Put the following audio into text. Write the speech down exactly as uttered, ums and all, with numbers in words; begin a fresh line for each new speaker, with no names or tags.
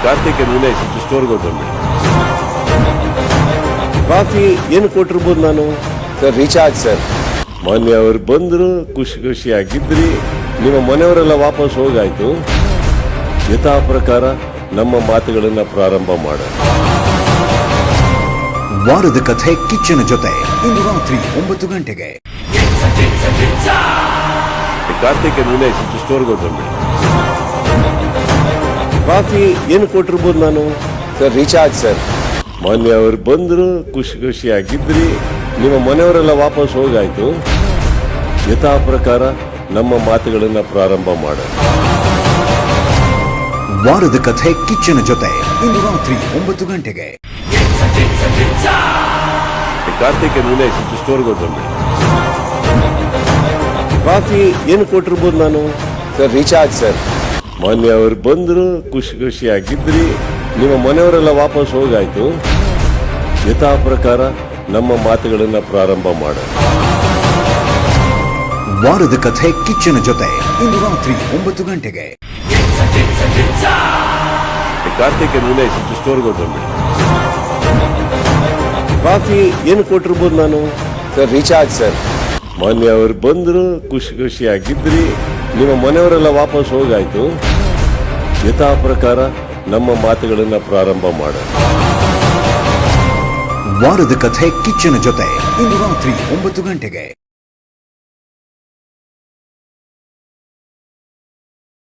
ಕಾರ್ತಿಕ್ ವಿನಯ್ ಸ್ಟೋರ್ಗೆ ಹೋಗ್ಬಂದೆ. ಕಾಫಿ ಏನು ಕೊಟ್ಟಿರ್ಬೋದು ನಾನು?
Sir recharge sir.
ಮೊನ್ನೆ ಅವ್ರು ಬಂದ್ರು, ಖುಷಿ ಖುಷಿಯಾಗಿದ್ರಿ. ನಿಮ್ಮ ಮನೆಯವರೆಲ್ಲ ವಾಪಸ್ ಹೋಗಾಯ್ತು. ಯಥಾ ಪ್ರಕಾರ ನಮ್ಮ ಮಾತುಗಳನ್ನ ಪ್ರಾರಂಭ ಮಾಡ.
ವಾರದ ಕಥೆ ಕಿಚ್ಚನ ಜೊತೆ ಇಂದು ರಾತ್ರಿ ಒಂಬತ್ತು ಗಂಟೆಗೆ.
ಕಾರ್ತಿಕ್ ವಿನಯ್ ಸ್ಟೋರ್ಗೆ ಹೋಗ್ಬಂದೆ. ಕಾಫಿ ಏನು ಕೊಟ್ಟಿರ್ಬೋದು ನಾನು?
Sir recharge sir.
ಮೊನ್ನೆ ಅವ್ರು ಬಂದ್ರು, ಖುಷಿ ಖುಷಿಯಾಗಿದ್ರಿ. ನಿಮ್ಮ ಮನೆಯವರೆಲ್ಲ ವಾಪಸ್ ಹೋಗಾಯ್ತು. ಯಥಾ ಪ್ರಕಾರ ನಮ್ಮ ಮಾತುಗಳನ್ನ ಪ್ರಾರಂಭ ಮಾಡ.
ವಾರದ ಕಥೆ ಕಿಚ್ಚನ ಜೊತೆ ಇಂದು ರಾತ್ರಿ ಒಂಬತ್ತು ಗಂಟೆಗೆ.
ಕಾರ್ತಿಕ್ ವಿನಯ್ ಸ್ಟೋರ್ಗೆ ಹೋಗ್ಬಂದೆ. ಕಾಫಿ ಏನು ಕೊಟ್ಟಿರ್ಬೋದು ನಾನು?
Sir recharge sir.
ಮೊನ್ನೆ ಅವ್ರು ಬಂದ್ರು, ಖುಷಿ ಖುಷಿಯಾಗಿದ್ರಿ. ನಿಮ್ಮ ಮನೆಯವರೆಲ್ಲ ವಾಪಸ್ ಹೋಗಾಯ್ತು. ಯಥಾ ಪ್ರಕಾರ ನಮ್ಮ ಮಾತುಗಳನ್ನ ಪ್ರಾರಂಭ ಮಾಡ.
ವಾರದ ಕಥೆ ಕಿಚ್ಚನ ಜೊತೆ ಇಂದು ರಾತ್ರಿ ಒಂಬತ್ತು ಗಂಟೆಗೆ.
ಕಾರ್ತಿಕ್ ವಿನಯ್ ಸ್ಟೋರ್ಗೆ ಹೋಗ್ಬಂದೆ. ಕಾಫಿ ಏನು ಕೊಟ್ಟಿರ್ಬೋದು ನಾನು?
Sir recharge sir.
ಮೊನ್ನೆ ಅವ್ರು ಬಂದ್ರು, ಖುಷಿ ಖುಷಿಯಾಗಿದ್ರಿ. ನಿಮ್ಮ ಮನೆಯವರೆಲ್ಲ ವಾಪಸ್ ಹೋಗಾಯ್ತು. ಯಥಾ ಪ್ರಕಾರ ನಮ್ಮ ಮಾತುಗಳನ್ನ ಪ್ರಾರಂಭ ಮಾಡ.
ವಾರದ ಕಥೆ ಕಿಚ್ಚನ ಜೊತೆ ಇಂದು ರಾತ್ರಿ ಒಂಬತ್ತು ಗಂಟೆಗೆ.